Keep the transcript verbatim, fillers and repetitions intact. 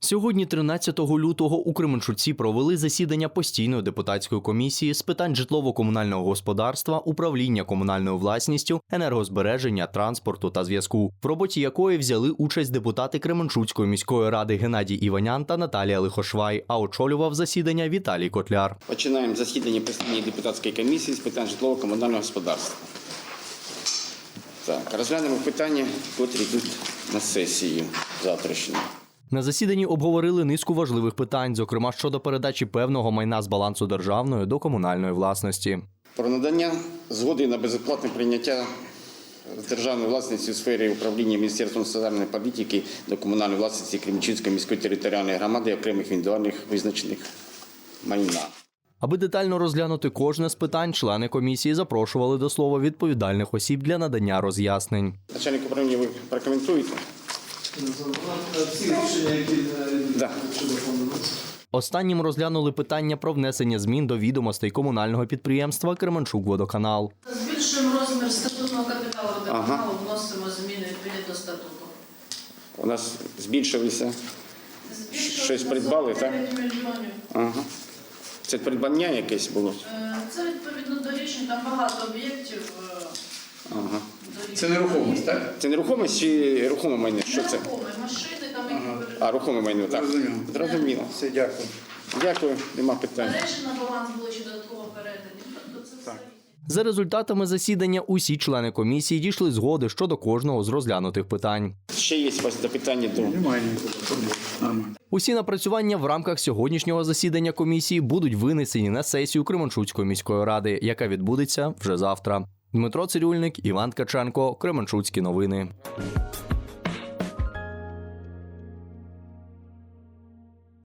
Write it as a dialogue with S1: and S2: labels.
S1: Сьогодні, тринадцятого лютого, у Кременчуці провели засідання постійної депутатської комісії з питань житлово-комунального господарства, управління комунальною власністю, енергозбереження, транспорту та зв'язку, в роботі якої взяли участь депутати Кременчуцької міської ради Геннадій Іванян та Наталія Лихошвай, а очолював засідання Віталій Котляр.
S2: Починаємо засідання постійної депутатської комісії з питань житлово-комунального господарства. Так, розглянемо питання, котрі йдуть на сесію завтрашню.
S1: На засіданні обговорили низку важливих питань, зокрема щодо передачі певного майна з балансу державної до комунальної власності.
S2: Про надання згоди на безоплатне прийняття з державної власності у сфері управління Міністерством соціальної політики до комунальної власності Кременчуцької міської територіальної громади окремих індивідуальних визначених майна.
S1: Аби детально розглянути кожне з питань, члени комісії запрошували до слова відповідальних осіб для надання роз'яснень.
S2: Начальник управління, ви прокоментуєте?
S3: Всі рішення, які
S2: Да.
S1: Останнім розглянули питання про внесення змін до відомостей комунального підприємства «Кременчук-Водоканал».
S4: Збільшуємо розмір статутного капіталу водоканалу,
S2: Ага.
S4: вносимо зміни відповідно до статуту.
S2: У нас збільшилися.
S4: Збільшуємо
S2: Щось
S4: на
S2: придбали,
S4: сорок дев'ять мільйонів.
S2: Ага. Це придбання якесь було?
S4: Е, Це відповідно до рішень, там багато об'єктів. е,
S2: Ага.
S4: до рішень.
S3: Це нерухомість, так?
S2: Це нерухомість чи рухоме майно? Що це?
S4: Нерухоме, машини, там які
S3: Ага.
S4: перед-
S2: А, рухоме майно, так.
S3: Зрозуміло.
S2: Зрозуміло.
S3: Все, дякую.
S2: Дякую, нема питань.
S4: Мережі на баланс були ще додатково передані. Тобто це все.
S1: За результатами засідання усі члени комісії дійшли згоди щодо кожного з розглянутих питань.
S2: Ще є у вас запитання до...
S3: Немає ніякого проблем. Нормально.
S1: Усі напрацювання в рамках сьогоднішнього засідання комісії будуть винесені на сесію Кременчуцької міської ради, яка відбудеться вже завтра. Дмитро Цирюльник, Іван Ткаченко, Кременчуцькі новини.